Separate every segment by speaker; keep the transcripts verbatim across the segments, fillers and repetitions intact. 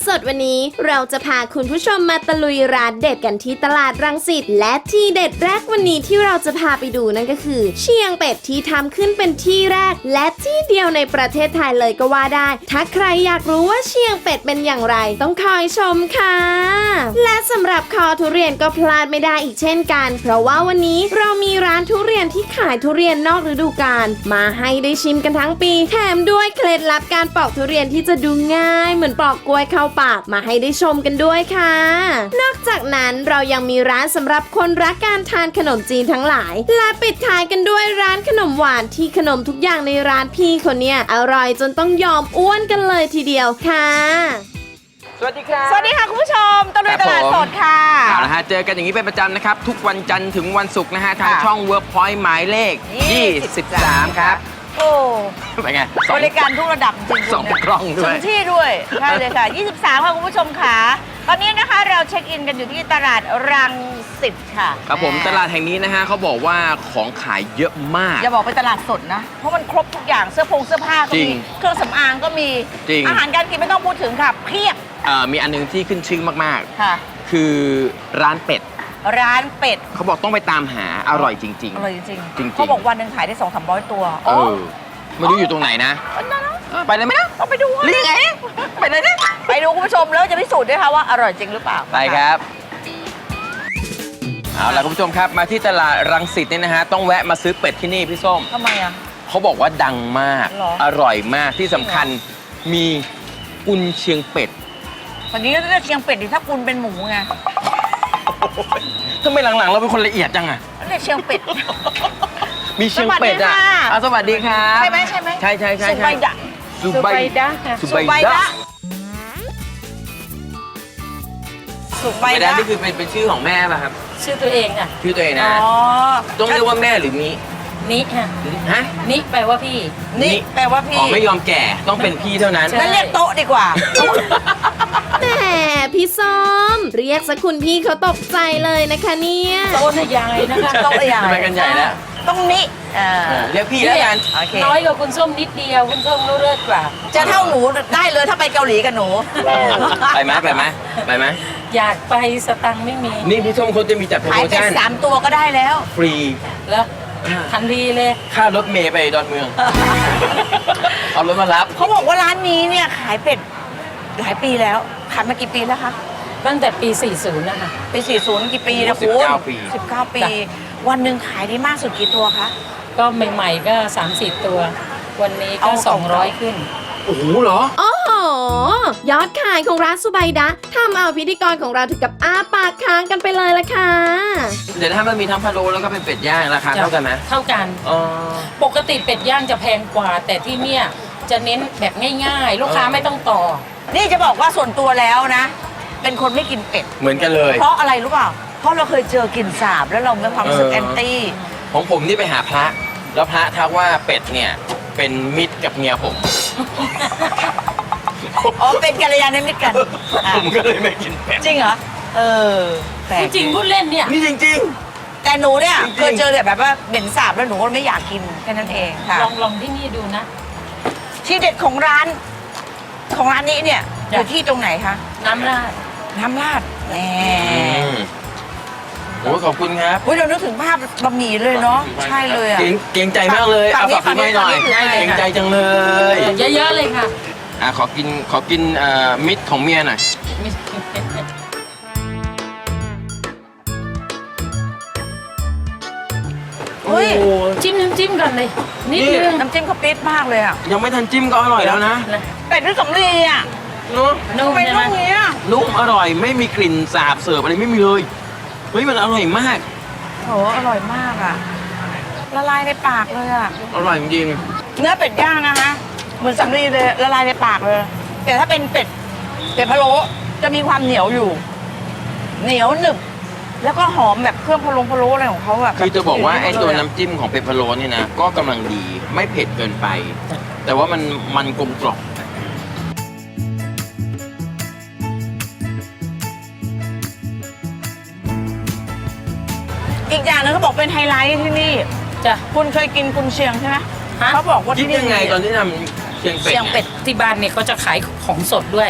Speaker 1: สดวันนี้เราจะพาคุณผู้ชมมาตะลุยร้านเด็ดกันที่ตลาดรังสิตและที่เด็ดแรกวันนี้ที่เราจะพาไปดูนั่นก็คือเชียงเป็ดที่ทำขึ้นเป็นที่แรกและที่เดียวในประเทศไทยเลยก็ว่าได้ถ้าใครอยากรู้ว่าเชียงเป็ดเป็นอย่างไรต้องคอยชมค่ะและสำหรับคอทุเรียนก็พลาดไม่ได้อีกเช่นกันเพราะว่าวันนี้เรามีร้านทุเรียนที่ขายทุเรียนนอกฤดูกาลมาให้ได้ชิมกันทั้งปีแถมด้วยเคล็ดลับการปอกทุเรียนที่จะดูง่ายเหมือนปอกกล้วยเข้าปากมาให้ได้ชมกันด้วยค่ะนอกจากนั้นเรายังมีร้านสำหรับคนรักการทานขนมจีนทั้งหลายและปิดท้ายกันด้วยร้านขนมหวานที่ขนมทุกอย่างในร้านพี่คนเนี้ยอร่อยจนต้องยอมอ้วนกันเลยทีเดียวค่ะ
Speaker 2: สวัสดีครับ
Speaker 3: สวัสดีค่ะคุณผู้ชมตะลุยตลาดสดค่ะ
Speaker 2: เอาละฮะเจอกันอย่างนี้เป็นประจำนะครับทุกวันจันทร์ถึงวันศุกร์นะฮะทางช่อง Workpoint หมายเลขยี่สิบสามครับ
Speaker 3: โอ้
Speaker 2: เป็นไง
Speaker 3: บริการทุกระดับจริงๆ
Speaker 2: สองกล้องด้วย
Speaker 3: ถึงที่ด้วยใช่เลยค่ะยี่สิบสามค่ะคุณผู้ชมค่ะตอนนี้นะคะเราเช็คอินกันอยู่ที่ตลาดรังสิตค่ะ
Speaker 2: ครับผมตลาดแห่งนี้นะฮะเขาบอกว่าของขายเยอะมาก
Speaker 3: อย่าบอกเป็นตลาดสดนะเพราะมันครบทุกอย่างเสื้อผงเสื้อผ้าก็มีเครื่องสำอางก็มีอาหารการกินไม่ต้องพูดถึงค่ะเพียบ
Speaker 2: มีอันนึงที่ขึ้นชื่อมาก
Speaker 3: ๆค่ะ
Speaker 2: คือร้านเป็ด
Speaker 3: ร้านเป็ด
Speaker 2: เขาบอกต้องไปตามหาอร่อยจริงๆ
Speaker 3: อร่อยจริงๆเขาบอกวันหนึ่งขายได้สองสามร้อยตัว
Speaker 2: เออไม่รู้อยู่ตรงไหนนะไปเลยไหมนะ
Speaker 3: ต้องไปดู
Speaker 2: หรือไงไปเลยนะ
Speaker 3: ไปดูคุณผู้ชมแล้วจะพิสูจน์ด้วยค่ะว่าอร่อยจริงหรือเปล่า
Speaker 2: ไปครับเอาล่ะคุณผู้ชมครับมาที่ตลาดรังสิตเนี่ยนะฮะต้องแวะมาซื้อเป็ดที่นี่พี่ส้ม
Speaker 3: ทำไมอ่ะ
Speaker 2: เขาบอกว่าดังมากอร่อยมากที่สำคัญมีกุนเชียงเป็ด
Speaker 3: ตอนนี้ก็จะเชียงเป็ดดิถ้ากุนเป็นหมูไง
Speaker 2: ทำไมหลังๆเราเป็นคนละเอียดจังอะ
Speaker 3: เรียกเชียงเป็ด
Speaker 2: มีเชียงเป็ดอ่ะสวัสดีครับ
Speaker 3: ใช่ไหมใช่ไหม
Speaker 2: ใช่ใช่ใช่
Speaker 3: สุไบดะ
Speaker 2: สุไบดะ
Speaker 3: สุไบดะสุไบดะ
Speaker 2: นี่คือเป็นเป็นชื่อของแม่ป่ะครับ
Speaker 4: ชื่อตัวเองอ่ะ
Speaker 2: ชื่อตัวเองนะต้องเรียกว่าแม่หรือมิ
Speaker 4: นิฮะ
Speaker 2: ฮะ
Speaker 4: นิแปลว่าพี่
Speaker 3: นิแปลว่าพี่
Speaker 2: อ๋อไม่ยอมแก่ต้องเป็นพี่เท่านั้น
Speaker 3: งั้นเรียกโต๊ะดีกว่า
Speaker 1: แหมพี่ส้มเรียกสักคุณพี่เขาตกใจเลยนะคะเนี่ย
Speaker 4: โต๊ะใหญ่นะคะ
Speaker 3: โต๊ะใหญ่
Speaker 2: ทำไมกันใหญ่แล้ว
Speaker 3: ต้องนิ
Speaker 2: เรียกพี่แล้วกัน
Speaker 4: น้อยกว่าคุณส้มนิดเดียวคุณส้มเลิศกว่า
Speaker 3: จะเท่าหนูได้เลยถ้าไปเกาหลีกับหนู
Speaker 2: ไปไหมไปไหมไปไหม
Speaker 4: อยากไปสตังค์ไม่มี
Speaker 2: นี่พี่ส้มเขาจะมีจัดโปรโมชั่น
Speaker 3: ขายเป็ดสามตัวก็ได้แล้ว
Speaker 2: ฟรี
Speaker 4: แล้วทันทีเลย
Speaker 2: ค่ารถเมย์ไปดอนเมืองเอารถมารับ
Speaker 3: เขาบอกว่าร้านนี้เนี่ยขายเป็ดหลายปีแล้วขายมากี่ปีแล้วคะ
Speaker 4: ตั้งแต่ปีสี่สิบนะคะ
Speaker 3: ปีสี่สิบกี่ปีนะคุณสิบเก้าปีสิบเก้าปีวันหนึ่งขายได้มากสุดกี่ตัวคะ
Speaker 4: ก็ใหม่ๆก็สามสิบตัววันนี้ก็สองร้อยขึ้น
Speaker 2: โอ้โหเหรอ
Speaker 1: โอ้โหยอดขายของร้านสุไบดะทำเอาพิธีกรของเราถึงกับอ้าปากค้างกันไปเลยละค่ะ
Speaker 2: เดี๋ยวถ้ามันมีทั้งพะโล้แล้วก็เป็นเป็ดย่างราคาเท่ากันไหม
Speaker 4: เท่ากันปกติเป็ดย่างจะแพงกว่าแต่ที่เนี่ยจะเน้นแบบง่ายๆลูกค้าไม่ต้องต่อ
Speaker 3: นี่จะบอกว่าส่วนตัวแล้วนะเป็นคนไม่กินเป็ด
Speaker 2: เหมือนกันเลย
Speaker 3: เพราะอะไรรู้เปล่าเพราะเราเคยเจอกลิ่นสาบแล้วเรามีความรู้สึกแอนตี้
Speaker 2: ของผมนี่ไปหาพระแล้วพระทักว่าเป็ดเนี่ยเป็นมิตรกับเมียผม
Speaker 3: อ๋อเป็นกัลยาณมิตรกัน
Speaker 2: ผมก็เลยไม่กินเป็ด
Speaker 3: จริงเหรอเออ
Speaker 4: จริงพูดเล่นเนี่ย
Speaker 2: นี่จริง
Speaker 3: ๆแต่หนูเนี่ยเคยเจอแบบว่าเหม็นสาบแล้วหนูก็ไม่อยากกินแค่นั้นเองค่ะ
Speaker 4: ลองลองที่นี่ดูนะ
Speaker 3: ที่เด็ดของร้านของร้านนี้เนี่ยอยู่ที่ตรงไหนคะ
Speaker 4: น้ำราด
Speaker 3: น้ำราดแหม
Speaker 2: โอ้ขอบคุณครับ
Speaker 3: เฮ้ยเรานึกถึงภาพบะหมี่เลยเนาะใช่เลยอ่ะ
Speaker 2: เก่งใจมากเลยเอาฝากให้หน่อยเก่งใจจังเลย
Speaker 4: เยอะๆเลยค่ะ
Speaker 2: อ่ะขอกินขอกินมิตรของเมียหน่อย
Speaker 3: เฮ้ย
Speaker 4: จิ้มน้ำจิ้มกันเลยนิดนึง
Speaker 3: น้ำจิ้มเขาปิดมากเลยอ่ะ
Speaker 2: ยังไม่ทันจิ้มก็อร่อยแล้วนะ
Speaker 3: เป็ดด้วยสำลีอ่ะ
Speaker 2: เนาะ
Speaker 3: นุ่มเป็นนุ่มเนี้ย
Speaker 2: นุ่มอร่อยไม่มีกลิ่นสาบเสิร์ฟอะไรไม่มีเลยเฮ้ยมันอร่อยมาก
Speaker 3: โหอร่อยมากอ่ะละลายในปากเลยอ่ะ
Speaker 2: อร่อยจริง
Speaker 3: เนื้อเป็ดย่างนะคะเหมือนสำลีเลยละลายในปากเลยแต่ถ้าเป็นเป็ดเป็ดพะโล้จะมีความเหนียวอยู่เหนียวหนึบแล้วก็หอมแบบเครื่องพะโล้พะโล้อะไรของเขาอ่ะ
Speaker 2: คือจะบอกว่าไอ้ตัวน้ำจิ้มของเป็ดพะโล้เนี่ยนะก็กำลังดีไม่เผ็ดเกินไปแต่ว่ามันมันกลมกล่อม
Speaker 3: อีกอย่างนึงเขาบอกเป็นไฮไลท์ที่นี่
Speaker 4: จ้ะ
Speaker 3: คุณเคยกินกุนเชียงใช่ไหมเขาบอกว่า
Speaker 2: คิดยังไงตอนที่ทำเชียงเป็ด
Speaker 4: เชียงเป็ดที่บ้านเนี่ยเขาจะขายของสดด้วย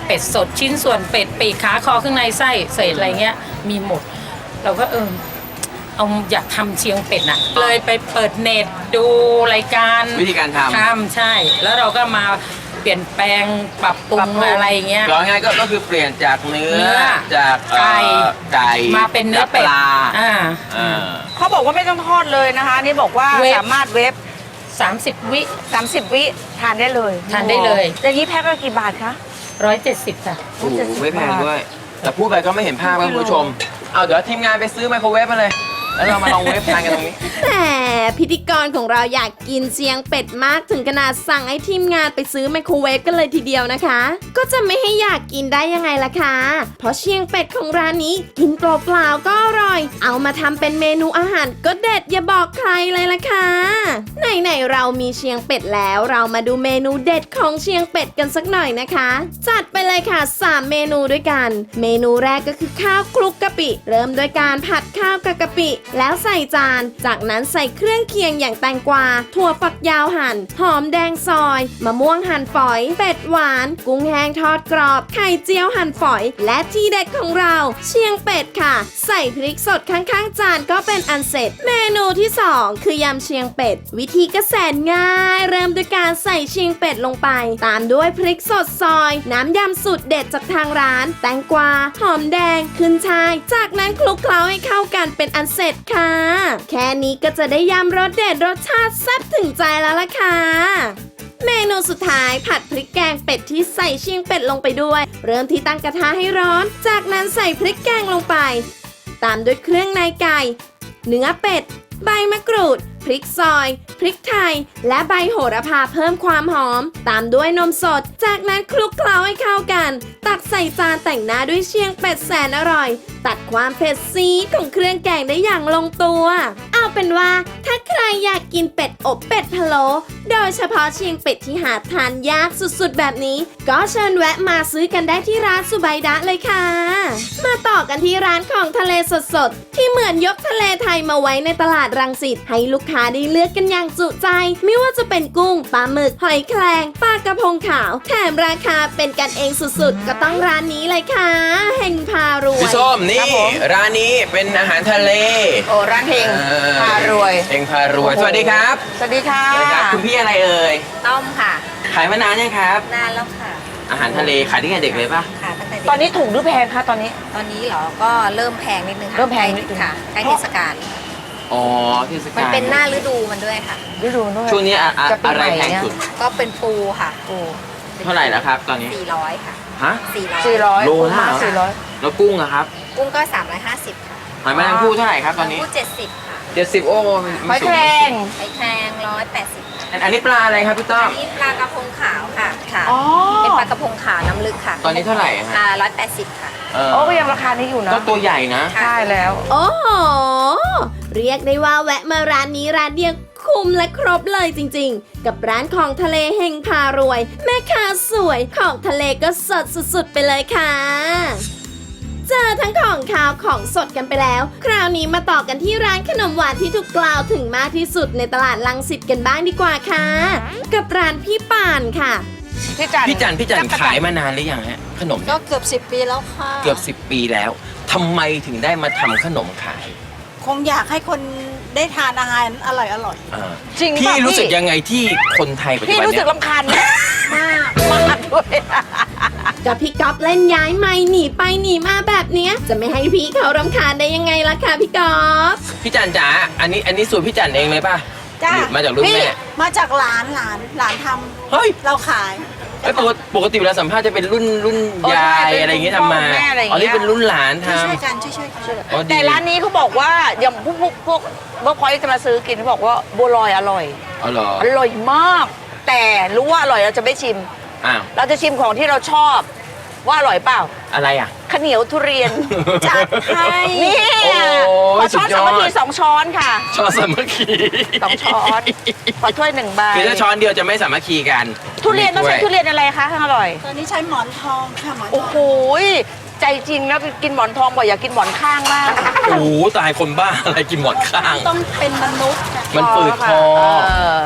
Speaker 4: เป็ดสดชิ้นส่วนเป็ดปีกขาคอข้างในไส้เศษอะไรเงี้ยมีหมด เราก็เออเอาอยากทำเชียงเป็ดน่ะเลยไปเปิดเน็ตดูรายการ
Speaker 2: วิธีการทำ
Speaker 4: ทำใช่ แล้วเราก็มาเปลี่ยนแปลงปรับปรุงอะไรเงี้ย
Speaker 2: ร้อยง่ายก็ก็คือเปลี่ยนจากเนื้อ
Speaker 4: เนื้อ
Speaker 2: จากเอ่อ
Speaker 4: ไก่
Speaker 2: ไก่
Speaker 4: มาเป็นเนื้อเป็ด
Speaker 2: จากปลา
Speaker 4: อ่า
Speaker 2: อ่า
Speaker 3: เขาบอกว่าไม่ต้องทอดเลยนะคะ นี่บอกว่า
Speaker 4: เวฟ
Speaker 3: สามารถเวฟ
Speaker 4: สามสิบวิ
Speaker 3: สามสิบวิทานได้เลย
Speaker 4: ทานได้เลย
Speaker 3: อย่างนี้แพ็คละกี่บาทคะ
Speaker 4: ร้อยเจ็ดสิบค่ะ
Speaker 2: โอ้โหไม่แพงด้วย แต่พูดไปก็ไม่เห็นภาพครับคุณผู้ชม เอาเดี๋ยวทีมงานไปซื้อไมโครเวฟมาเลย แล้วเรามาลองเวฟทานกันตรงนี้
Speaker 1: แต่พิธีกรของเราอยากกินเชียงเป็ดมากถึงขนาดสั่งให้ทีมงานไปซื้อไมโครเวฟกันเลยทีเดียวนะคะ ก็จะไม่ให้อยากกินได้ยังไงล่ะคะ เพราะเชียงเป็ดของร้านนี้กินเปล่าๆก็อร่อย เอามาทำเป็นเมนูอาหารก็เด็ดอย่าบอกใครเลยล่ะค่ะไหนๆเรามีเชียงเป็ดแล้วเรามาดูเมนูเด็ดของเชียงเป็ดกันสักหน่อยนะคะ จัดไปเลยค่ะสามเมนูด้วยกัน เมนูแรกก็คือข้าวคลุกกะปิ เริ่มด้วยการผัดข้าวกับกะปิ แล้วใส่จาน จากนั้นใส่เครื่องเคียงอย่างแตงกวา ถั่วฝักยาวหั่น หอมแดงซอย มะม่วงหั่นฝอย เป็ดหวาน กุ้งแห้งทอดกรอบ ไข่เจียวหั่นฝอย และที่เด็ดของเรา เชียงเป็ดค่ะ ใส่พริกสดข้างๆจานก็เป็นอันเสร็จ เมนูที่สองคือยำเชียงเป็ด วิธีก็แสนง่าย เริ่มด้วยการใส่เชียงเป็ดลงไป ตามด้วยพริกสดซอย น้ำยำสูตรเด็ดจากทางร้าน แตงกวา หอมแดง ขึ้นช่าย จากนั้นคลุกเคล้าให้เข้ากันเป็นอันเสร็จค่ะ แค่นี้ก็จะได้ยำรสเด็ดรสชาติแซ่บถึงใจแล้วล่ะค่ะ เมนูสุดท้ายผัดพริกแกงเป็ดที่ใส่เชียงเป็ดลงไปด้วย เริ่มที่ตั้งกระทะให้ร้อน จากนั้นใส่พริกแกงลงไป ตามด้วยเครื่องในไก่ เนื้อเป็ด ใบมะกรูด พริกซอย พริกไทย และใบโหระพาเพิ่มความหอม ตามด้วยนมสด จากนั้นคลุกเคล้าให้เข้ากัน ตักใส่จานแต่งหน้าด้วยเชียงเป็ดแสนอร่อย ตัดความเผ็ดซีดของเครื่องแกงได้อย่างลงตัว เอาเป็นว่าถ้าใครอยากกินเป็ดอบเป็ดพะโล้โดยเฉพาะเชียงเป็ดที่หาทานยากสุดๆแบบนี้ ก็เชิญแวะมาซื้อกันได้ที่ร้านสุไบดะเลยค่ะ มาต่อกันที่ร้านของทะเลสดๆที่เหมือนยกทะเลไทยมาไว้ในตลาดรังสิตให้ลูกค้าได้เลือกกันอย่างจุใจ ไม่ว่าจะเป็นกุ้งปลาหมึกหอยแครงปลากระพงขาวแถมราคาเป็นกันเองสุดๆก็ต้องร้านนี้เลยค่ะเฮงพารวย
Speaker 2: พี่ส้มนี่
Speaker 3: ครับผม
Speaker 2: ร้านนี้เป็นอาหารทะเล
Speaker 3: โอ้ร้านเฮง
Speaker 2: เออ
Speaker 3: พารวย
Speaker 2: เฮงพารวย สวัสดีครับ
Speaker 3: สวัสดีค่ะ
Speaker 2: สวัสดีครับ คุณพี่อะไรเอ่ย
Speaker 5: ต้อมค่ะ
Speaker 2: ขายมานานยังครับ
Speaker 5: นานแล้วค่ะ
Speaker 2: อาหารทะเลขายตั้งแต่เด็กเลยป่ะ
Speaker 5: ค่ะตั้งแต่เด็ก
Speaker 3: ตอนนี้ถูกหรือแพงคะตอนนี้
Speaker 5: ตอนนี้เหรอ ก็เริ่มแพงนิดนึงค่ะ
Speaker 3: เริ่มแพงนิดนึง
Speaker 5: ค่ะใกล้เทศกาล
Speaker 2: อ๋อเทศกาล
Speaker 5: มันเป็นหน้าฤดูมันด้วยค่ะ
Speaker 3: ฤดูด้วย
Speaker 2: ช่วงนี้อะอะ
Speaker 3: จะปี
Speaker 2: อะไร
Speaker 3: ใหม่
Speaker 2: แพง
Speaker 3: เนี่ย
Speaker 2: สุด
Speaker 5: ก็เป็นปูค่ะ
Speaker 3: โอ้
Speaker 2: เท่าไหร่แล้วครับตอนนี้
Speaker 5: สี่ร้อยค่ะ
Speaker 2: ฮะ
Speaker 5: สี่ร้อย
Speaker 3: สี่ร้อย
Speaker 2: โล
Speaker 3: ปู
Speaker 2: ละ
Speaker 3: ม้า
Speaker 2: เหรอ
Speaker 3: สี่ร้อย
Speaker 2: แล้วกุ้งอะครับ
Speaker 5: กุ้งก็สามร้อยห้าสิบค่ะ
Speaker 2: หอยแมลงภู่เท่าไหร่ครับตอนนี้
Speaker 5: ปูเจ็ดสิบค่ะ
Speaker 2: เจ็ดสิบโอ้
Speaker 3: หอยแครง
Speaker 5: ไข่แครงร้อยแปดสิบ
Speaker 2: อันอันนี้ปลาอะไรครับพี่ต้อ
Speaker 5: อั
Speaker 2: ม
Speaker 5: นนี้ปลากระพงขาวค่ะ ค่ะ
Speaker 3: อ๋อ
Speaker 5: เป็นปลากระพงขาวน้ำลึกค่ะ
Speaker 2: ตอนนี้เท่าไหร่อะฮะ
Speaker 5: อ่าร้อยแปดสิบค่ะ
Speaker 2: เออ
Speaker 3: โอ้ก็ยังราคานี้อยู่นะ
Speaker 2: ก็ตัวใหญ่นะ
Speaker 3: ใช่แล้ว
Speaker 1: โอ้โห เรียกได้ว่าแวะมาร้านนี้ร้านเดียวคุ้มและครบเลยจริงๆ กับร้านของทะเลเฮงพารวย แม่ค้าสวยของทะเลก็สดสุดๆไปเลยค่ะ เจอทั้งของขาวของสดกันไปแล้ว คราวนี้มาต่อกันที่ร้านขนมหวานที่ถูกกล่าวถึงมากที่สุดในตลาดลังสิตกันบ้างดีกว่าค่ะ กับร้านพี่ป่านค่ะ
Speaker 3: พี่จัน
Speaker 2: พี่จันพี่จันขายมานานหรือยังฮะขนม
Speaker 5: ก็เกือบสิบปีแล้วค่ะ
Speaker 2: เกือบสิบปีแล้วทำไมถึงได้มาทำขนมขาย
Speaker 6: คงอยากให้คนได้ทานอาหารอร่อยอร่อย
Speaker 2: อ่า
Speaker 3: จริง
Speaker 2: พี่
Speaker 3: ป่ะ
Speaker 2: รู้สึกยังไงที่คนไทยปัจจุ
Speaker 3: พี่
Speaker 2: บัน
Speaker 3: รู้สึ
Speaker 2: เนี้
Speaker 3: ก
Speaker 2: ย
Speaker 3: รำคาญไหม
Speaker 6: มาก
Speaker 3: มากด้วย
Speaker 1: กับพี่ก๊อฟเล่นย้ายไม่หนีไปหนีมาแบบเนี้ย จะไม่ให้พี่เขารำคาญได้ยังไงล่ะคะพี่ก๊อฟ
Speaker 2: พี่จันจ๋าอันนี้อันนี้สูตรพี่จันเองเลยป่ะ
Speaker 6: จ้า
Speaker 2: หรือมาจากรุ่นแม่
Speaker 6: มาจากหลานหลานหลานท
Speaker 2: เฮ้ย
Speaker 6: ำเราขาย
Speaker 2: ไอ้ยปกติปกติเวลาสัมภาษณ์จะเป็นรุ่นรุ่น
Speaker 3: โอ้ใช่
Speaker 2: ยาย
Speaker 3: เป็น
Speaker 2: อะไรอย่างงี้
Speaker 3: คุณพ่อ
Speaker 2: ทำมา
Speaker 3: คุณแม่อะไรอย่าง
Speaker 2: อ๋อ
Speaker 3: เงี้ย
Speaker 2: นี่เป็นรุ่นหลานท
Speaker 6: ช่วยๆกันช่วยๆกัน
Speaker 2: ำอ๋อดี
Speaker 3: แต่ร้านนี้เขาบอกว่าอย่างพวกพวกพวกเมื่อพอยจะมาซื้อกินเขาบอกว่าบัวลอยอร่อย
Speaker 2: อ๋อเหรอ
Speaker 3: อร่อยมาก แต่รู้ว่าอร่อยเราจะไม่ชิม
Speaker 2: อ้าว
Speaker 3: เราจะชิมของที่เราชอบว่าอร่อยเปล่า
Speaker 2: อะไรอ่ะ
Speaker 3: ข้าวเหนียวทุเรียน
Speaker 6: จัดให้
Speaker 3: นี่
Speaker 2: โอ้
Speaker 3: ขอช้อน
Speaker 2: สุดย
Speaker 3: สา
Speaker 2: อด
Speaker 3: มัคคีสองช้อนค่ะ
Speaker 2: ช้อนสามัคคี
Speaker 3: สองช้อนขอถ้วยหนึ่งใบ
Speaker 2: คือถ้าช้อนเดียวจะไม่สามัคคีกัน
Speaker 3: ทุเรียนต้องใช้ทุเรียนอะไรคะข้างอร่อย
Speaker 6: ตอนนี้ใช้หมอนทองค่ะหมอนท
Speaker 3: โอ้
Speaker 6: อง
Speaker 3: โหใจจริงนะกินหมอนทองบ่อยอยากกินหมอนข้างมาก
Speaker 2: โอ้โหตายคนบ้าอะไรกินหมอนข้าง
Speaker 6: ต้องเป็นมนุษย์ค่ะ
Speaker 2: มันฝืดคอ
Speaker 3: เออ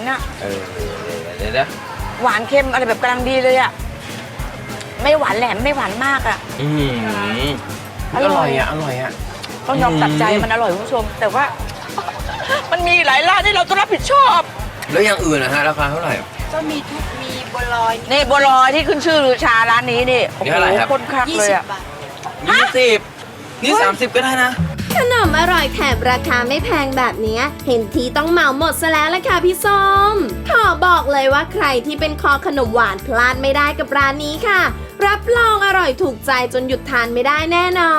Speaker 3: อะ
Speaker 2: เออเดี๋ยวนะ
Speaker 3: หวานเค็มอะไรแบบกำลังดีเลยอะไม่หวานแหลมไม่หวานมากอะ
Speaker 2: อืม
Speaker 3: อ
Speaker 2: อ
Speaker 3: ร่
Speaker 2: ร่
Speaker 3: อ
Speaker 2: อย ยอ่ะ อร่อยอ่ะ
Speaker 3: ต้องยอมตัดใจ
Speaker 2: อืม
Speaker 3: มันอร่อยคุณผู้ชม แต่ว่า มันมีหลายร้านที่เราต้องรับผิดชอบ
Speaker 2: แล้วอย่างอื่นนะฮะราคาเท่าไหร่
Speaker 6: ก็มีทุกมีบัวลอย
Speaker 3: นี่บัวลอยที่ขึ้นชื่อลือชาร้านนี้นี่โอ้
Speaker 2: นี่
Speaker 3: โห
Speaker 2: เท่าไหร่ครับ
Speaker 3: คนคัก
Speaker 6: ยี่
Speaker 3: เลย
Speaker 6: สิบ
Speaker 3: อะ
Speaker 6: บาท
Speaker 2: ยี่สิบนี่สามสิบก็ได้นะ
Speaker 1: ขนมอร่อยแถมราคาไม่แพงแบบเนี้ยเห็นทีต้องเหมาหมดซะแล้วละค่ะพี่ส้มขอบอกเลยว่าใครที่เป็นคอขนมหวานพลาดไม่ได้กับร้านนี้ค่ะ รับรองอร่อยถูกใจจนหยุดทานไม่ได้แน่นอน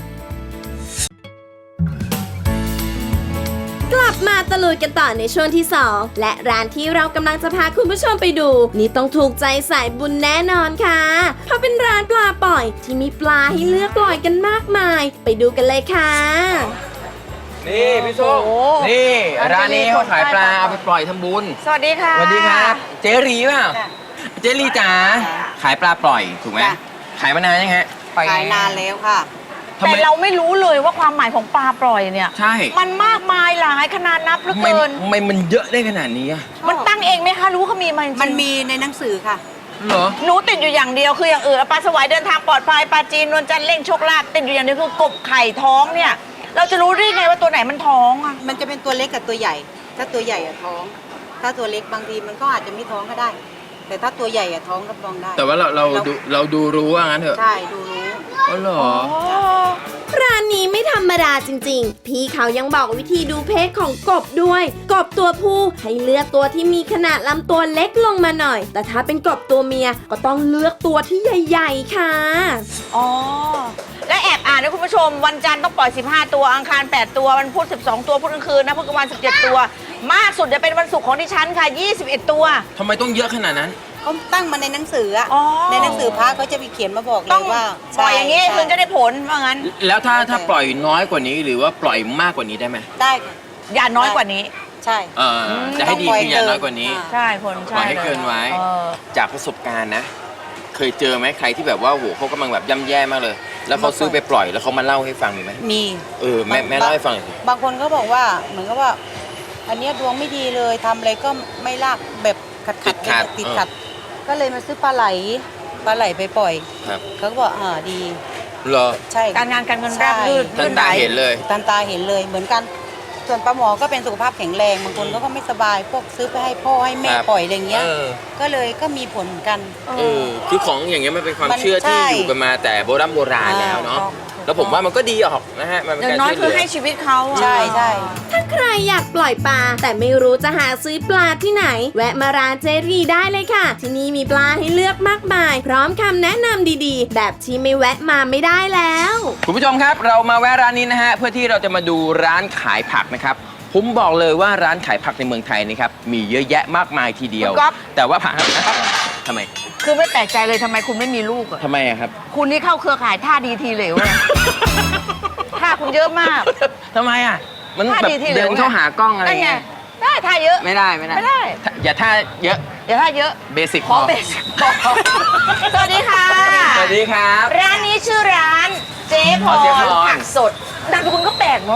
Speaker 1: กลับมาตะลุยกันต่อในช่วงที่สองและร้านที่เรากำลังจะพาคุณผู้ชมไปดู นี่ต้องถูกใจสายบุญแน่นอนค่ะเพราะเป็นร้านปลาปล่อยที่มีปลาให้เลือกปล่อยกันมากมาย ไปดูกันเลยค่ะ
Speaker 2: นี่พี่ส้ม
Speaker 3: โอ้โห
Speaker 2: นี่
Speaker 3: ร้าน
Speaker 2: ร้านนี้
Speaker 3: เจรี
Speaker 2: เขาขายปลา
Speaker 3: คนใต้
Speaker 2: เอาไปปล่อยทำบุญ
Speaker 3: สวัสดีค่ะ
Speaker 2: สวัสดีครับ เจรีเปล่า
Speaker 6: จ้ะ
Speaker 2: เจรีจ๋า ขายปลาปล่อยถูกไหม
Speaker 6: จ้ะ
Speaker 2: ขายมานานยังฮะ
Speaker 6: ขายนานแล้วค่ะ
Speaker 2: ทำไม
Speaker 3: แต่เราไม่รู้เลยว่าความหมายของปลาปล่อยเนี่ย
Speaker 2: ใช่
Speaker 3: มันมากมายหลายขนาดนับเหลือ
Speaker 2: ทำไม
Speaker 3: เกิน
Speaker 2: ทำไมมันเยอะได้ขนาดนี้อะ
Speaker 3: มันตั้งเองไหมคะรู้เขามีมาจริง
Speaker 6: มันมีในหนังสือค่ะ
Speaker 2: เหรอ
Speaker 3: หนูติดอยู่อย่างเดียวคืออย่างอื่นปลาสวายเดินทางปลอดภัยปลาจีนนวลจันทร์เล่งโชคลาภติดอยู่อย่างเดียวคือกบไข่ท้องเนี่ย เราจะรู้ได้ไงว่าตัวไหนมันท้องอะ
Speaker 6: มันจะเป็นตัวเล็กกับตัวใหญ่ ถ้าตัวใหญ่อะท้อง ถ้าตัวเล็กบางทีมันก็อาจจะไม่ท้องก็ได้ แต่ถ้าตัวใหญ่อะท้องรับรองได้
Speaker 2: แต่ว่าเราเราดูเราดูรู้ว่างั้นเถอะ
Speaker 6: ใช่ดูรู้
Speaker 2: อ๋อเหรอ
Speaker 1: ร้านนี้ไม่ธรรมดาจริงๆ พี่เขายังบอกวิธีดูเพศของกบด้วย กบตัวผู้ให้เลือกตัวที่มีขนาดลำตัวเล็กลงมาหน่อย แต่ถ้าเป็นกบตัวเมียก็ต้องเลือกตัวที่ใหญ่ๆค่ะ
Speaker 3: อ๋อ และแอบอ่านนะคุณผู้ชม วันจันทร์ต้องปล่อย สิบห้า ตัวอังคาร แปด ตัววันพุธ สิบสอง ตัวพุธกลางคืนนะพุธกลางวัน สิบเจ็ด ตัว มากสุดจะเป็นวันศุกร์ของดิฉันค่ะ ยี่สิบเอ็ด ตัว
Speaker 2: ทำไมต้องเยอะขนาดนั้น
Speaker 6: เขาตั้งมาในหนังสืออะ
Speaker 3: อ๋อ
Speaker 6: ในหนังสือพระเขาจะมีเขียนมาบอกเล
Speaker 3: ต้อง
Speaker 6: ยว่า
Speaker 3: ปล่อยอย่างนี้
Speaker 6: ใช่
Speaker 3: ถึงจะได้ผลว่างั้น
Speaker 2: แล้วถ้าถ้าปล่อยน้อยกว่านี้หรือว่าปล่อยมากกว่านี้ได้ไหม
Speaker 6: ได้ค่ะ
Speaker 3: อย่าน้อยกว่านี้
Speaker 6: ใช่
Speaker 2: เออจะให้ดีคืออย่าน้อยกว่านี้
Speaker 6: อ่า
Speaker 3: ใช่ผล
Speaker 2: ปล่
Speaker 3: ใช่
Speaker 2: อยให้เกินไว้
Speaker 3: เออ
Speaker 2: จากประสบการณ์นะ เคยเจอไหมใครที่แบบว่าโหเขากำลังแบบย่ำแย่มากเลย แล้วเขาซื้อไปปล่อยแล้วเขามาเล่าให้ฟังมีไหม
Speaker 6: มี
Speaker 2: เออแม่แม่เล่าให้ฟังหน่อยสิ
Speaker 6: บางคนก็บอกว่าเหมือนกับว่า อันเนี้ยดวงไม่ดีเลยทำอะไรก็ไม่ลากแบบขัดขัดติดขัด ก็เลยมาซื้อปลาไหลปลาไหลไปปล่อย
Speaker 2: ครับ
Speaker 6: เขาก็บอกอ่าดี
Speaker 2: เหรอ
Speaker 6: ใช่
Speaker 3: การงานการเงินราบรื่น
Speaker 2: ท่านตาเห็นเลย
Speaker 6: ตามตาเห็นเลยเหมือนกัน ส่วนปลาหมอก็เป็นสุขภาพแข็งแรงบางคนก็ก็ไม่สบาย พวกซื้อไปให้พ่อให้แม่
Speaker 2: ครับ
Speaker 6: ปล่อยอะไรเงี้ย
Speaker 2: เออ
Speaker 6: ก็เลยก็มีผลเหมือนกัน
Speaker 2: เออคือของอย่างเงี้ยมันเป็นความ
Speaker 6: มัน
Speaker 2: เชื่อที่
Speaker 6: ใช่
Speaker 2: อยู่กันมาแต่โบราณโบราณแล้วเนาะ
Speaker 6: อ่า
Speaker 2: แล้วผมว่ามันก็ดีออกนะฮะมันเป็น
Speaker 3: อย่าง
Speaker 2: การ
Speaker 3: น้อย
Speaker 2: ช่วยเห
Speaker 3: คือ
Speaker 2: ลือ
Speaker 3: ให้ชีวิตเขาอะ
Speaker 6: ใช่ใช่
Speaker 1: ถ้าใครอยากปล่อยปลาแต่ไม่รู้จะหาซื้อปลาที่ไหน แวะมาร้านเจรีได้เลยค่ะ ที่นี่มีปลาให้เลือกมากมาย พร้อมคำแนะนำดีๆ แบบที่ไม่แวะมาไม่ได้แล้ว
Speaker 2: คุณผู้ชมครับเรามาแวะร้านนี้นะฮะเพื่อที่เราจะมาดูร้านขายผักนะครับผมบอกเลยว่าร้านขายผักในเมืองไทยนะครับมีเยอะแยะมากมายทีเดียว
Speaker 3: คุณก๊อฟ
Speaker 2: แต่ว่าผักทำไม
Speaker 3: คือไม่แปลกใจเลยทำไมคุณไม่มีลูกอะ
Speaker 2: ทำไมอะครับ
Speaker 3: คุณนี่เข้าเครือข่ายท่าดีทีเหลวเลยท่าคุณเยอะมาก
Speaker 2: ทำไมอะมัน
Speaker 3: ท่า
Speaker 2: แบบ
Speaker 3: ดีทีเหลว
Speaker 2: เดินเข้าหากล้องอะไร
Speaker 3: นั่นไง
Speaker 2: เงี้ย
Speaker 3: ได้ท่าเยอะ
Speaker 2: ไม่ได้ไม่ได้
Speaker 3: ไม่ได้
Speaker 2: ถ้าอย่าท่าเยอะ
Speaker 3: อย่าท่าเยอะ
Speaker 2: เบสิก
Speaker 3: ขอเบสสวัสดีค่ะ
Speaker 2: สวัสดีครับ
Speaker 3: ร้านนี้ชื่อร้านเจ๊พ
Speaker 2: อ๋อเจ๊พ
Speaker 3: ร
Speaker 2: ร
Speaker 3: ผักสดนามสกุลก็แปลกเนาะ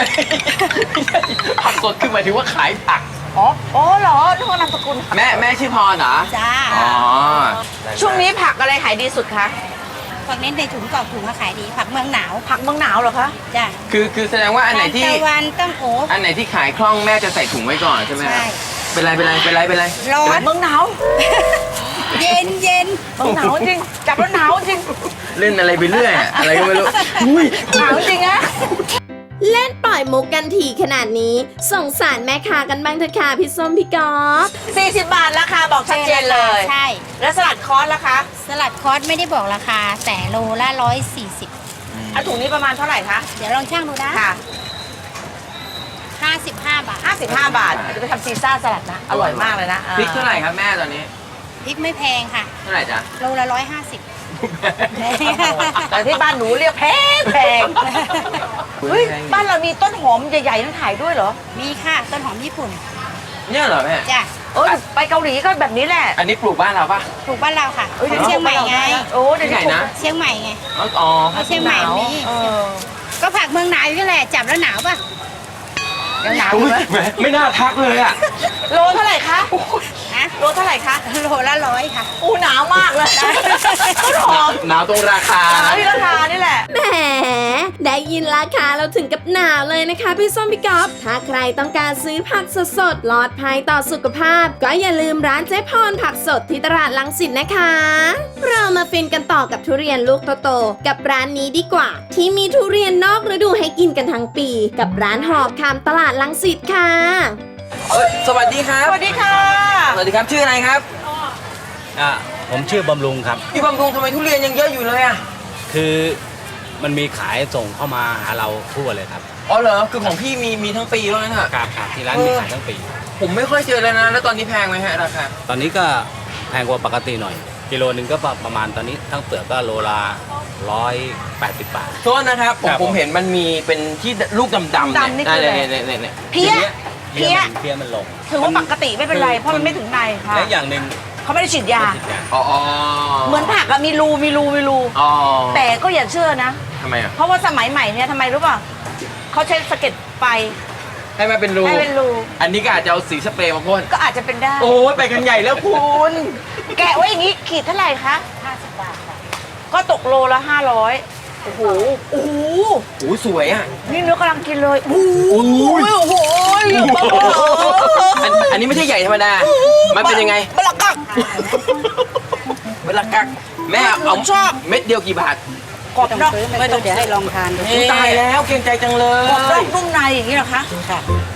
Speaker 2: ผักสดคือหมายถึงว่าขายผัก
Speaker 3: อ๋ออ๋อเหรอนึกว่านามสกุล
Speaker 2: แม่แม่ชื่อพรเหรอ
Speaker 6: จ้า
Speaker 2: อ๋อ
Speaker 3: ช่วงนี้ผักอะไรขายดีสุดคะ
Speaker 7: ผักเน้นในถุงกรอบถุงก็ขายดีผักเมืองหนาว
Speaker 3: ผักเมืองหนาวเหรอคะ
Speaker 7: จ้ะ
Speaker 2: คือคือแสดงว่าอันไหนที่
Speaker 7: ทานตะวันต้องโอ้
Speaker 2: อันไหนที่ขายคล่องแม่จะใส่ถุงไว้ก่อนใช่ไหมครับ
Speaker 7: ใช่
Speaker 2: เป็นไรเป็นไรเป็นไรเป็นไร
Speaker 7: ร้อน
Speaker 3: เมืองหนาว
Speaker 7: เย็นเย็น
Speaker 3: เมืองหนาวจริงจับแล้วหนาวจริง
Speaker 2: เล่นอะไรไปเรื่อยอะอะไรก็ไม่รู้อุ้ย
Speaker 3: หนาวจริงอะ
Speaker 1: เล่นปล่อยมุกกันทีขนาดนี้สงสารแม่ค้ากันบ้างเถอะค่ะพี่ส้มพี่กอล์ฟ
Speaker 3: สี่สิบบาทราคาบอกชัดเจนเลย
Speaker 7: ใช่
Speaker 3: แล้วสลัดคอสล่ะคะ
Speaker 7: สลัดคอสไม่ได้บอกราคา แต่โลละร้อยสี่สิบ
Speaker 3: อ่ะถุงนี้ประมาณเท่าไหร่คะ
Speaker 7: เดี๋ยวลองช่างดูนะ
Speaker 3: ค่ะ
Speaker 7: ห้าสิบห้าบาท
Speaker 3: ห้าสิบห้าบาทจะไปทำซีซ่าสลัดนะ อร่อยมากเลยนะ
Speaker 2: พริกเท่าไหร่ครับแม่ตอนนี้
Speaker 7: พริกไม่แพงค่ะ
Speaker 2: เท่าไหร่จ๊ะ
Speaker 7: โลละร้อยห้าสิบ
Speaker 3: แต่ที่บ้านหนูเรียกแพงแพงเฮ้ยบ้านเรามีต้นหอมใหญ่ๆนั่นขายด้วยเหรอ
Speaker 7: มีค่ะ ต้นหอมญี่ปุ่น
Speaker 2: เนี่ยเหรอแม่
Speaker 7: จ้ะ
Speaker 3: เออไปเกาหลีก็แบบนี้แหละ
Speaker 2: อันนี้ปลูกบ้านเราปะ
Speaker 7: ปลูกบ้านเราค่ะ
Speaker 3: อ้
Speaker 7: ของเชียงใหม่ไง
Speaker 3: โอ้เดี๋ยว
Speaker 2: ที่ไหนนะ
Speaker 7: เชียงใหม่ไง
Speaker 2: อ๋ออ๋อ
Speaker 7: เอาเชียงใหม่มี
Speaker 3: เออ
Speaker 7: ก็ผักเมืองหนาวอยู่แหละ จับแล้วหนาวป่ะ
Speaker 3: ยังหนาวอยู่ไหม
Speaker 2: แหมไม่น่าทักเลยอ่ะ
Speaker 3: โลเท่าไหร่คะฮะโลเท่าไหร่คะ
Speaker 7: โลละร้อยค่ะ
Speaker 3: อู้หนาวมากเลยต้นหอม
Speaker 2: หนาวตรงราคา
Speaker 3: หนาวที่ราคานี่แหละ
Speaker 1: แหมได้ยินราคาเราถึงกับหนาวเลยนะคะพี่ส้มพี่ก๊อฟถ้าใครต้องการซื้อผักสดๆปลอดภัยต่อสุขภาพ ก็อย่าลืมร้านเจ๊พรผักสดที่ตลาดรังสิตนะคะ เรามาฟินกันต่อกับทุเรียนลูกโตๆกับร้านนี้ดีกว่า ที่มีทุเรียนนอกฤดูให้กินกันทั้งปี กับร้านหอบคำตลาดรังสิตค่ะ
Speaker 2: เอ้ยสวัสดีครับ
Speaker 3: สวัสดีค่ะ
Speaker 2: สวัสดีครับชื่ออะไรครับ
Speaker 8: อ่าผมชื่อบำรุงครับ
Speaker 2: พี่บำรุงทำไมทุเรียนยังเยอะอยู่เลยอ่ะ
Speaker 8: คือมันมีขายส่งเข้ามาหาเราทั่วเลยครับ
Speaker 2: อ๋อเหรอคือของพี่มีมีทั้งปีว่างั้นเถอะ
Speaker 8: ครับครับที่ร้านมีขายทั้งปี
Speaker 2: ผมไม่ค่อยเจอเลยนะแล้วตอนนี้แพงไหมฮะราคา
Speaker 8: ตอนนี้ก็แพงกว่าปกติหน่อย กิโลหนึ่งก็ประมาณตอนนี้ทั้งเปลือกก็โลละร้อยแปดสิบบาท
Speaker 2: โทษนะครับผม
Speaker 8: ครับ
Speaker 2: ผมเห็นมันมีเป็นที่ลูกดำๆ
Speaker 3: ดำๆนี่คืออะไร
Speaker 2: เนี่ยเนี่ยเนี่ย
Speaker 3: เพี้ย
Speaker 8: เพี้ยมันเพี้ยมันลง
Speaker 3: ถือว่าปกติไม่เป็นไร เพราะมันไม่ถึงในค่ะ
Speaker 8: และอย่างหนึ่ง
Speaker 3: เขาไม่ได้ฉีดยา
Speaker 8: ติดยา
Speaker 2: อ๋อ
Speaker 3: เหมือนผักอะมีรูมีรูมีรู
Speaker 2: อ๋อ
Speaker 3: แต่ก็อย่าเชื่อนะ
Speaker 2: ทำไมอ่ะ
Speaker 3: เพราะว่าสมัยใหม่เนี่ยทำไมรู้ป่ะเขาใช้สะเก็ดไฟ
Speaker 2: ให้มันเป็นรู
Speaker 3: ให้เป็นรู
Speaker 2: อันนี้ก็อาจจะเอาสีสเปรย์มาพ่น
Speaker 3: ก็อาจจะเป็นได้
Speaker 2: โอ้ยไปกันใหญ่แล้วคุณ
Speaker 3: แกะไว้อย่างนี้ขีดเท่าไหร่คะห้าสิบบาทค่ะก็ตกโลละห้าร้อยโอ้โหโอ้โห
Speaker 2: โอ้ยสวยอ่ะ
Speaker 3: นี่เนื้อกำลังกินเลยโอ้โหโอ้โห
Speaker 2: อันอันนี้ไม่ใช่ใหญ่ธรรมดา มันเป็นยังไง
Speaker 3: บลักกัก
Speaker 2: เวลากักแม่เอา
Speaker 3: ชอบ
Speaker 2: เม็ดเดียวกี่บาท
Speaker 3: กรอบ
Speaker 6: ต้อง
Speaker 3: นอก
Speaker 6: ซื้อไม่ต้องเดี๋ยวให้ลองทานดู
Speaker 2: อุ๊ยตายแล้วเกรงใจจังเลย
Speaker 3: กรอบนอกนุ่มในอย่างนี้เหรอคะ
Speaker 6: ค่ะ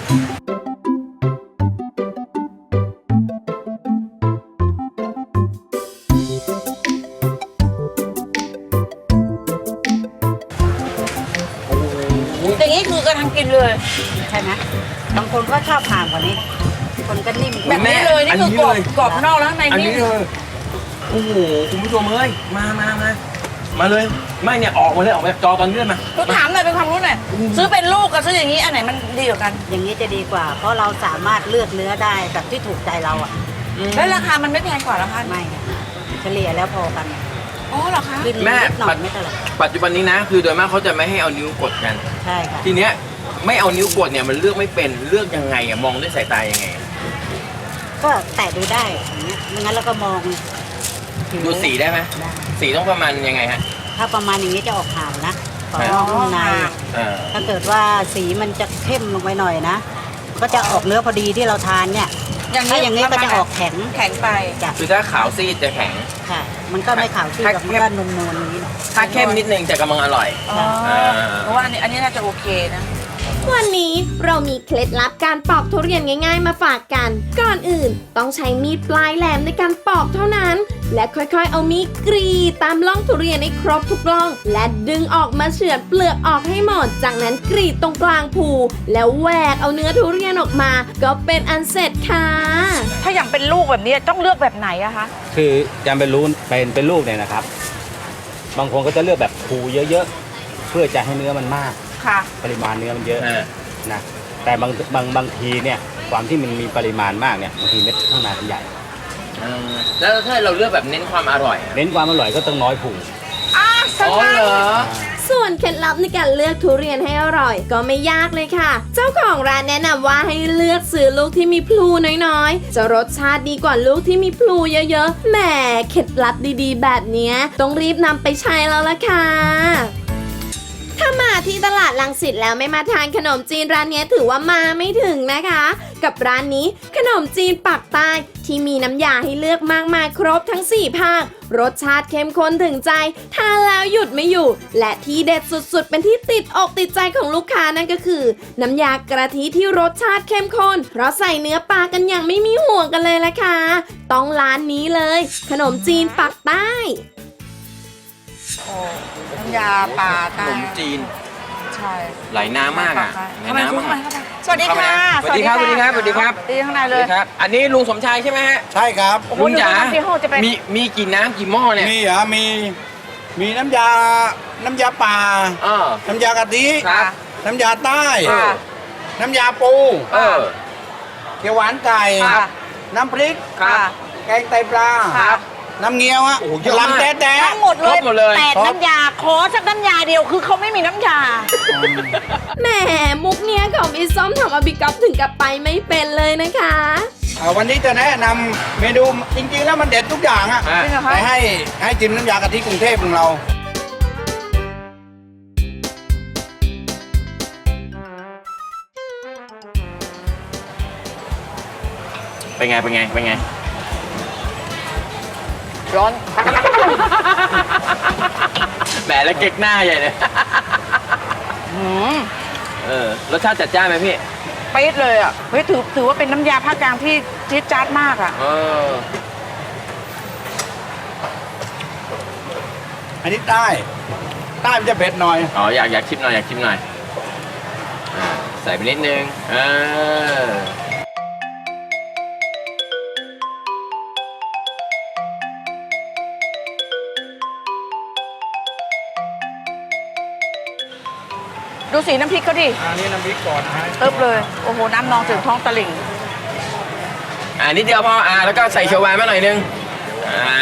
Speaker 3: อย่างนี้คือกำลังกินเลย
Speaker 6: ใช่ไหมบางคนก็ชอบผ่านกว่านี้ คนก็นิ่มก
Speaker 3: แบ
Speaker 6: ว่า
Speaker 3: บนี้เลยนี่คือกรอบกรอบนอกแล้วข้างใน
Speaker 2: อัน
Speaker 3: นิ่
Speaker 2: นี้
Speaker 3: ม
Speaker 2: เลยโอ้โหคุณผู้ชมเอ้ยมามามามาเลยไม่เนี่ยออกมาเลยออกมาจากจอตอนนี้เลยมา
Speaker 3: ก็ถามหน่อยเป็นความรู้หน่อยซื้อเป็นลูกกับซื้ออย่างนี้อันไหนมันดีกว่ากัน
Speaker 6: อย่างนี้จะดีกว่า เพราะเราสามารถเลือกเนื้อได้แบบที่ถูกใจเราอ่ะ
Speaker 3: แล้วราคามันไม่แพงกว่าเหรอคะ
Speaker 6: ไม่ค่ะเฉลี่ยแล้วพอกัน
Speaker 3: อ๋อเหรอคะ
Speaker 6: ขึ้น
Speaker 2: แม่
Speaker 6: นิดหน่อยไม่เท่าไหร่
Speaker 2: ปัจจุบันนี้นะ คือโดยมากเขาจะไม่ให้เอานิ้วกดกัน
Speaker 6: ใช่ค่ะ
Speaker 2: ทีเนี้ยไม่เอานิ้วกดเนี่ยมันเลือกไม่เป็นเลือกยังไงอะมองด้วยสายตายังไง
Speaker 6: ก็แตะดูได้อย่างเงี้ยไม่งั้นเราก็มองผิว
Speaker 2: ดูสีได้ไหม
Speaker 6: ได้
Speaker 2: สีต้องประมาณยังไงฮะ
Speaker 6: ถ้าประมาณอย่างนี้จะออกขาวนะขอบนอกนุ่มใน
Speaker 2: อ่า
Speaker 6: ถ้าเกิดว่าสีมันจะเข้มลงไปหน่อยนะ ก็จะออกเนื้อพอดีที่เราทานเนี่ย ถ้าอย่างนี้ก็จะออกแข็ง
Speaker 3: แข็งไป
Speaker 6: จ้ะ
Speaker 2: คือถ้าขาวซีดจะแข็ง
Speaker 6: ค่ะ มันก็ไม่ขาวซีด
Speaker 2: ถ้า
Speaker 6: แบบมันก็นวลๆอย่างนี้หน่อย
Speaker 2: ถ้าเข้มนิดนึงจะกำลังอร่อย
Speaker 3: อ๋อเพราะว่าอันนี้อันนี้น่าจะโอเคนะ
Speaker 1: วันนี้เรามีเคล็ดลับการปอกทุเรียนง่ายๆมาฝากกัน ก่อนอื่นต้องใช้มีดปลายแหลมในการปอกเท่านั้น และค่อยๆเอามีดกรีดตามร่องทุเรียนให้ครบทุกร่อง และดึงออกมาเฉือนเปลือกออกให้หมด จากนั้นกรีดตรงกลางภูแล้วแหวกเอาเนื้อทุเรียนออกมา ก็เป็นอันเสร็จค่ะ
Speaker 3: ถ้าอย่างเป็นลูกแบบนี้ต้องเลือกแบบไหนอะคะ
Speaker 8: คือจำเป็นรู้เป็นเป็นลูกเนี่ยนะครับ บางคนก็จะเลือกแบบภูเยอะๆ เพื่อจะให้เนื้อมันมาก
Speaker 3: ค่ะ
Speaker 8: ปริมาณเนื้อมันเยอะ
Speaker 2: อ่า
Speaker 8: นะแต่บางบางบางทีเนี่ยความที่มันมีปริมาณมากเนี่ยบางทีเม็ดข้างในมันใหญ่
Speaker 2: อ่าแล้วถ้าเราเลือกแบบเน้นความอร่อยอะ
Speaker 8: เน้นความอร่อยก็ต้องน้อยผู
Speaker 3: อ่ะส
Speaker 2: อ๋อบ
Speaker 3: าย
Speaker 2: เหรอ
Speaker 1: ส่วนเคล็ดลับในการเลือกทุเรียนให้อร่อย ก็ไม่ยากเลยค่ะ เจ้าของร้านแนะนำว่าให้เลือกซื้อลูกที่มีพลูน้อยๆ จะรสชาติดีกว่าลูกที่มีพลูเยอะๆ แหมเคล็ดลับดีๆ แบบเนี้ยต้องรีบนำไปใช้แล้วล่ะค่ะ ถ้ามาที่ตลาดรังสิตแล้วไม่มาทานขนมจีนร้านนี้ถือว่ามาไม่ถึงนะคะ กับร้านนี้ขนมจีนปากใต้ที่มีน้ำยาให้เลือกมากมายครบทั้งสี่ภาครสชาติเข้มข้นถึงใจทานแล้วหยุดไม่อยู่ และที่เด็ดสุดๆ เป็นที่ติดอกติดใจของลูกค้านั่นก็คือ น้ำยากะทิที่รสชาติเข้มข้นเพราะใส่เนื้อปลากันอย่างไม่มีห่วงกันเลยละค่ะต้องร้านนี้เลย ขนมจีนปากใต้
Speaker 3: โอ้น้ำยาปลา
Speaker 2: ข
Speaker 3: ใต้
Speaker 2: นมจีน
Speaker 3: ใช่
Speaker 2: ไหลน้ำมากอ่ะไหล
Speaker 3: เข้าไป
Speaker 2: น้ำ
Speaker 3: เข้าไป
Speaker 2: มาก
Speaker 3: เข้าไปสวัสดีค่ะ
Speaker 2: สวัสดีครับสวัสดีครับสวัสดีครับ
Speaker 3: ดีข้างใน
Speaker 2: ส
Speaker 3: เล
Speaker 2: วัส
Speaker 3: ย
Speaker 2: ดีครับ อันนี้ลุงสมชายใช่ไหมฮะ
Speaker 9: ใช่ครับ
Speaker 3: โอ้โห
Speaker 2: ลุงจ๋า
Speaker 3: ดูน้ำที่ห้องจะเป็น
Speaker 2: มีมีกี่น้ำกี่หม้อเนี่ย
Speaker 9: มีเหรอมี มีน้ำยา น้ำยาป่า
Speaker 2: เออ
Speaker 9: น้ำยากะทิ
Speaker 2: ครับ
Speaker 9: น้ำยาใต้
Speaker 2: ค่ะ
Speaker 9: น้ำยาปู
Speaker 2: เออ
Speaker 9: เขียวหวานไก่
Speaker 3: ค่ะ
Speaker 9: น้ำพริก
Speaker 2: ครับ
Speaker 9: แกงไตปลา
Speaker 3: ค่ะ
Speaker 9: น้ำเงี้ยวฮะ
Speaker 2: โอ้โหเยอะมาก
Speaker 9: ลำแต๊ะ
Speaker 3: ทั้งหมดเล
Speaker 2: คร
Speaker 3: ย
Speaker 2: บหมดเลย
Speaker 3: แปดน้ำยาขอสักน้ำยาเดียวคือเขาไม่มีน้ำยา
Speaker 1: แหมมุกเนี้ยของพี่ส้มทำเอาบิ๊กก๊อฟถึงกับไปไม่เป็นเลยนะคะ
Speaker 9: ๆอ่าวันนี้จะแนะนำเมนูจริงๆแล้วมันเด็ดทุกอย่างอะ
Speaker 2: อ่ะ
Speaker 3: จริงเหรอคะ
Speaker 9: ไปให้ให้จิ้มน้ำยากะทิกรุงเทพของเรา
Speaker 2: เป็นไง เป็นไง เป็นไง
Speaker 3: ร้อน
Speaker 2: แหมแล้วเก๊กหน้าใหญ่เลย
Speaker 3: อืม
Speaker 2: เออ รสชาติจัดจ้านไหมพี่
Speaker 3: ปี๊ดเลยอ่ะเฮ้ยถือถือว่าเป็นน้ำยาภาคกลางที่จี๊ดจ๊าดมากอ่ะ
Speaker 2: เออ
Speaker 9: อันนี้ใต้ใต้มันจะเผ็ดหน่อย
Speaker 2: อ๋อ อยากอยากชิมหน่อย อยากชิมหน่อยอ่าใส่ไปนิดนึง เออ
Speaker 3: ดูสีน้ำพริกก็ดิ
Speaker 9: อันนี้น้ำพริกก่อนนะฮะ
Speaker 3: เอิบเลย โอ้โห น้ำนองถึงท้องตะลิ่ง
Speaker 2: อ่านิดเดียวพอ อ่า แล้วก็ใส่เขียวหวานมาหน่อยนึง อ่า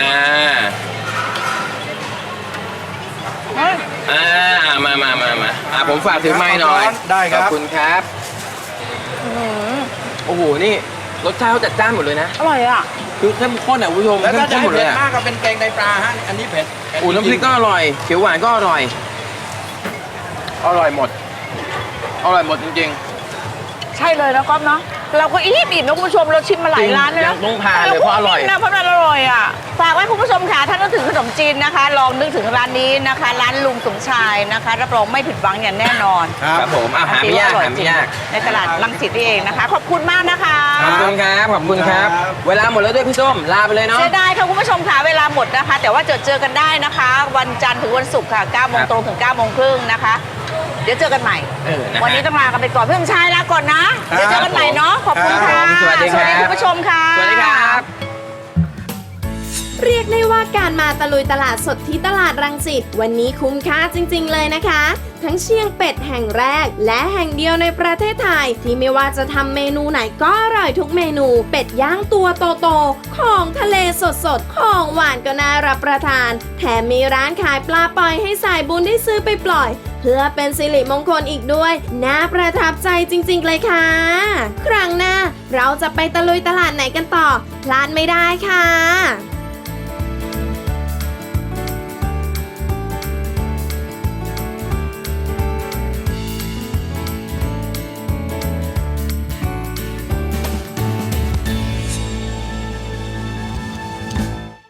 Speaker 3: เฮ้ย
Speaker 2: อ่า มามามามาอ่าผมฝากถือไม้หน่อย
Speaker 9: ได้ค
Speaker 2: ข
Speaker 9: รั
Speaker 2: อบบ คุณครับ
Speaker 3: อื้อหือ
Speaker 2: โอ้โห นี่รสชาติเขาจัดจ้านหมดเลยนะ
Speaker 3: อร่อยอ่ะ
Speaker 2: คือเข้มข้นอ่ะคุณผู้ชม
Speaker 9: แล้ว
Speaker 2: เข้
Speaker 9: ถ้าม จะ
Speaker 2: ข้นห
Speaker 9: ให้
Speaker 2: มดเล
Speaker 9: เผ็
Speaker 2: ย
Speaker 9: ด
Speaker 2: อ่ะ
Speaker 9: มากก็เป็นแกงไตปลาฮะอันนี้เผ็ดเผ็ด
Speaker 2: โอ้น้ำพริกก็อร่อย เขียวหวานก็อร่อย อร่อยหมด อร่อยหมดจริง
Speaker 3: ใช่เลยนะก๊อฟเนาะ เราก็อิ่มอิ่มนะคุณผู้ชม เราชิมมาหลายร้านเลย
Speaker 2: ยั
Speaker 3: นะ
Speaker 2: งต้องทานเลยเพราะอร่อย
Speaker 3: นะเพราะมันอร่อยอ่ะ ฝากไว้คุณผู้ชมค่ะ ถ้านึกถึงขนมจีนนะคะ ลองนึกถึงร้านนี้นะคะ ร้านลุงสมชายนะคะ รับรองไม่ผิดหวังอย่างแน่นอน
Speaker 9: ครั
Speaker 2: ครับผมอ่ะหาไม่ยาก
Speaker 3: อร่อ
Speaker 2: หาไม่ยาก
Speaker 3: ในตลาดรังสิตนี่เองนะคะ ขอบคุณมากนะคะ
Speaker 2: ขอบคุณครับ ขอบคุณครับ เวลาหมดแล้วด้วยพี่ส้ม ลาไปเลยเนาะ
Speaker 3: เสียดายค่ะคุณผู้ชมค่ะเวลาหมดนะคะ แต่ว่าเจอเจอกันได้นะคะ วันจันทร์ถึงวันศุกร์ค่ะเก้าโมง
Speaker 2: ครับ
Speaker 3: ตรงถึงเก้าโมงครึ่งนะคะ เดี๋ยวเจอกันใหม่
Speaker 2: เออนะฮะ
Speaker 3: วันนี้ต้องลากันไปก่อนพี่สมชายลาก่อนนะ เดี๋ยวเจอกันใหม่เนาะขอบคุณค่ะ
Speaker 2: ครับผมสวัสดีครับ
Speaker 3: คุณผู้ชมค่ะ
Speaker 2: สวัสดีครับ
Speaker 1: เรียกได้ว่าการมาตะลุยตลาดสดที่ตลาดรังสิตวันนี้คุ้มค่าจริงๆเลยนะคะ ทั้งเชียงเป็ดแห่งแรก และแห่งเดียวในประเทศไทย ที่ไม่ว่าจะทำเมนูไหนก็อร่อยทุกเมนู เป็ดย่างตัวโตๆของทะเลสดๆของหวานก็น่ารับประทาน แถมมีร้านขายปลาปล่อยให้สายบุญได้ซื้อไปปล่อย เพื่อเป็นสิริมงคลอีกด้วยน่าประทับใจจริงๆเลยค่ะ ครั้งหน้าเราจะไปตะลุยตลาดไหนกันต่อพลาดไม่ได้ค่ะ